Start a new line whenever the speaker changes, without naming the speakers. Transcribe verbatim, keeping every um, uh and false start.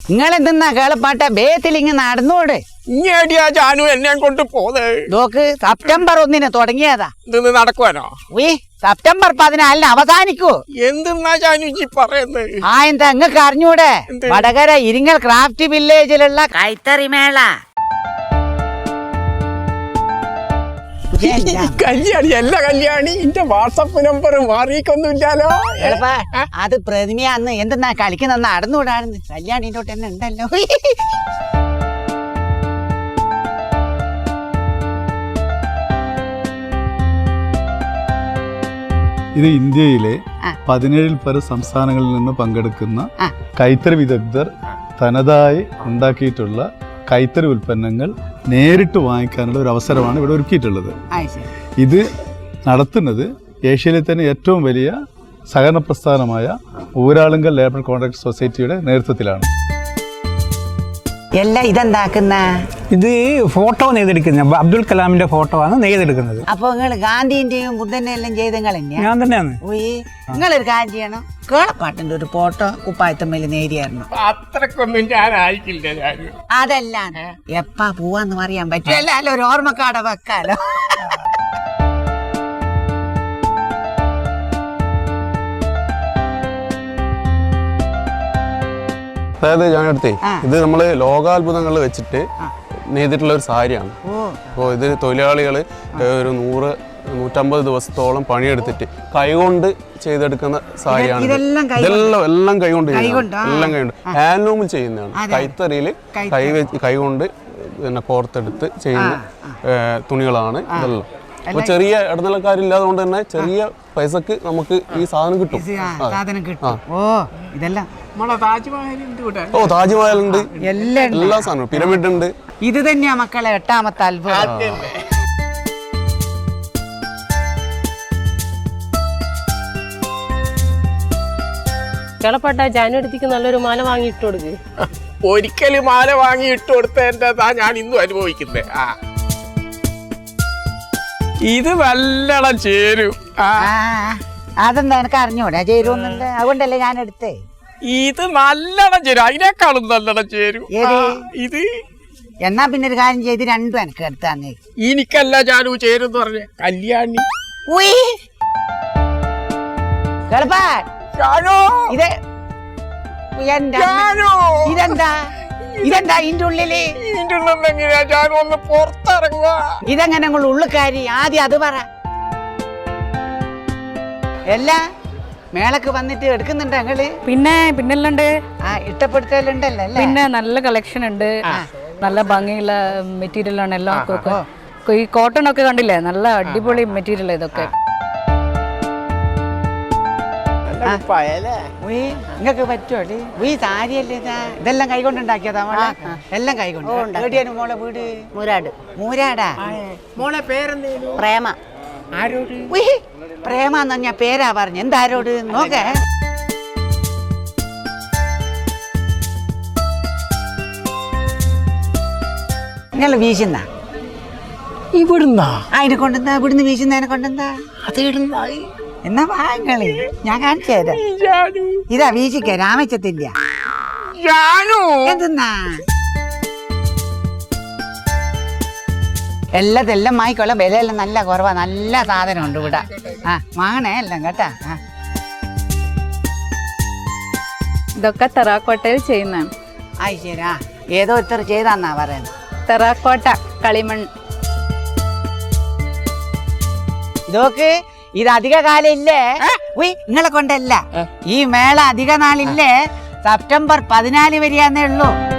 നിങ്ങളെന്തെന്നാ കേളപ്പാട്ട ബേത്തിലിങ്ങ് നടന്നോട്.
ഇങ്ങേടിയാ ജാനു എന്നെ കൊണ്ട് പോത്.
നോക്ക് സെപ്റ്റംബർ ഒന്നിന് തുടങ്ങിയതാ.
ഇത് നടക്കുവാനോ?
ഉയ് സെപ്റ്റംബർ പതിനാലിന് അവസാനിക്കൂ.
എന്തെന്നാ ജാനു ഈ പറയുന്നത്?
ആ എന്താ ഇങ്ങക്ക് അറിഞ്ഞൂടെ? വടകര ഇരിങ്ങൽ ക്രാഫ്റ്റ് വില്ലേജിലുള്ള കൈത്തറി മേള.
കല്യാണി അല്ല കല്യാണി, എന്റെ വാട്സപ്പ് നമ്പർ മാറിയിക്കൊന്നുമില്ലാലോ.
അത് പ്രതിമയാന്ന് എന്തെന്നാ കളിക്കുന്ന നടന്നുകൂടാണെന്ന്. കല്യാണിന്റെ തൊട്ട് തന്നെ ഉണ്ടല്ലോ.
ഇത് ഇന്ത്യയിലെ പതിനേഴിൽ പല സംസ്ഥാനങ്ങളിൽ നിന്ന് പങ്കെടുക്കുന്ന കൈത്തറി വിദഗ്ധർ തനതായി ഉണ്ടാക്കിയിട്ടുള്ള കൈത്തറി ഉൽപ്പന്നങ്ങൾ നേരിട്ട് വാങ്ങിക്കാനുള്ള ഒരു അവസരമാണ് ഇവിടെ ഒരുക്കിയിട്ടുള്ളത്. ഇത് നടത്തുന്നത് ഏഷ്യയിലെ തന്നെ ഏറ്റവും വലിയ സഹകരണ പ്രസ്ഥാനമായ ഊരാളുങ്കൽ ലേബർ കോൺട്രാക്ട് സൊസൈറ്റിയുടെ നേതൃത്വത്തിലാണ്.
എല്ലാം ഇതെന്താക്കുന്ന
ഇത് ഫോട്ടോ നെയ്തെടുക്കുന്ന അബ്ദുൽ കലാമിന്റെ ഫോട്ടോ ആണ് നെയ്തെടുക്കുന്നത്.
അപ്പൊ നിങ്ങൾ ഗാന്ധിന്റെയും ബുദ്ധന്റെ എല്ലാം ചെയ്ത് നിങ്ങൾ
ഞാൻ തന്നെയാണ്.
നിങ്ങളൊരു കാര്യം ചെയ്യണം, കേളപ്പാട്ടിന്റെ ഒരു ഫോട്ടോ കുപ്പായത്തമ്മയിൽ നേരിയായിരുന്നു.
അത്രക്കൊന്നും ഞാൻ ആയിക്കില്ല.
അതല്ല എപ്പാ പോവാന്ന് പറയാൻ പറ്റില്ല, അല്ല ഒരു ഓർമ്മക്കാടെ വെക്കാലോ.
അതായത് ഞാനടുത്തേ ഇത് നമ്മള് ലോകാത്ഭുതങ്ങൾ വെച്ചിട്ട് നെയ്തിട്ടുള്ള ഒരു സാരിയാണ്. അപ്പോൾ ഇത് തൊഴിലാളികൾ ഒരു നൂറ് നൂറ്റമ്പത് ദിവസത്തോളം പണിയെടുത്തിട്ട് കൈകൊണ്ട് ചെയ്തെടുക്കുന്ന സാരിയാണ്. ഇതെല്ലാം എല്ലാം കൈകൊണ്ട് ചെയ്യുന്നത്, എല്ലാം കൈകൊണ്ട് ഹാൻഡ്ലൂമിൽ ചെയ്യുന്നതാണ്. കൈത്തറിയിൽ കൈ കൈകൊണ്ട് പിന്നെ കോർത്തെടുത്ത് ചെയ്യുന്ന തുണികളാണ് ഇതെല്ലാം. അപ്പൊ ചെറിയ ഇടനിലക്കാരില്ലാതെ കൊണ്ട് തന്നെ ചെറിയ പൈസക്ക് നമുക്ക് ഈ സാധനം കിട്ടും.
ഓ ഇതെല്ലാം
ഓ താജ്മഹൽ ഉണ്ട്, എല്ലാ സാധനവും, പിരമിഡ് ഉണ്ട്.
ഇത് തന്നെയാ മക്കളെ എട്ടാമത്തെ അത്ഭുതം.
കേളപ്പാട്ട ജാനുവരിക്ക് നല്ലൊരു മാല വാങ്ങിയിട്ട് കൊടുക്ക്.
ഒരിക്കലും മാല വാങ്ങി ഇട്ട് കൊടുത്തതിൻ്റെതാ ഞാൻ ഇന്നും അനുഭവിക്കുന്നത്. ആ ഇത് നല്ലോണം ചേരും.
അതെന്താ എനിക്ക് അറിഞ്ഞൂടെ ചേരുന്നില്ല, അതുകൊണ്ടല്ലേ ഞാൻ എടുത്തേ.
ഇത് നല്ലോണം ചേരും, അതിനേക്കാളും നല്ലോണം ചേരും ഇത്.
എന്നാ പിന്നെ ഒരു കാര്യം ചെയ്ത് രണ്ടും എനിക്ക് എടുത്താന്നേ.
എനിക്കല്ല ജാനു ചേരും പറഞ്ഞ കല്യാണി.
ഇത് ഇതെന്താ ഇതെന്താ ഇതിന്റെ ഉള്ളില്? ഇതെങ്ങനെ നിങ്ങൾ ഉള്ളുകാരി? ആദ്യം അത് പറ. എല്ലാ മേളക്ക് വന്നിട്ട് എടുക്കുന്നുണ്ട് ഞങ്ങള്?
പിന്നെ പിന്നെല്ലാണ്ട്
ആ ഇഷ്ടപ്പെടുത്തലുണ്ടല്ലോ.
പിന്നെ നല്ല കളക്ഷൻ ഉണ്ട്, നല്ല ഭംഗിയുള്ള മെറ്റീരിയൽ ആണ് എല്ലാം. ഈ കോട്ടൺ ഒക്കെ കണ്ടില്ലേ, നല്ല അടിപൊളി മെറ്റീരിയൽ ഇതൊക്കെ.
നിങ്ങക്ക് പറ്റുമോ? ഈ സാരിയല്ലേ ഇതെല്ലാം കൈകൊണ്ടുണ്ടാക്കിയതാ മോളെ? എല്ലാം കൈകൊണ്ട്. എവിടെയാണ് മോളെ വീട്? മൂരാട്. മൂരാടാ? മോളെ പേരെന്തേലും? പ്രേമ. ആരോട്? പ്രേമ എന്ന് പറഞ്ഞ പേരാ പറഞ്ഞു. എന്താരോട് നോക്കേ. നിങ്ങൾ വീശുന്ന
ഇവിടുന്നാ?
അതിനെ കൊണ്ടെന്താ? ഇവിടുന്ന് വീശുന്നതിനെ കൊണ്ടെന്താ? അത് ഇടുന്ന എന്നാ വാങ്ങളി ഞാൻ കാണിച്ചു തരാം. ഇതാ വീശിക്ക രാമച്ചത്തില്ല. എന്തെന്നാ എല്ലാതെല്ലാം വാങ്ങിക്കോളാം. വിലയെല്ലാം നല്ല കുറവാ, നല്ല സാധനം ഉണ്ട് ഇവിടെ. ആ വാങ്ങണേ എല്ലാം കേട്ടാ.
ഇതൊക്കെ തെറാക്കോട്ടയിൽ ചെയ്യുന്നതാണ്.
ആയി ശരി. ഏതോ ഇത്ര ചെയ്താന്നാ പറയുന്നത്.
തെറാക്കോട്ട കളിമൺ.
ഇതൊക്കെ ഇത് അധിക കാലം ഇല്ലേ? ഉയ് നിങ്ങളെ കൊണ്ടല്ല, ഈ മേള അധിക നാളില്ലേ, സെപ്റ്റംബർ പതിനാല് വരെയാന്നേ ഉള്ളൂ.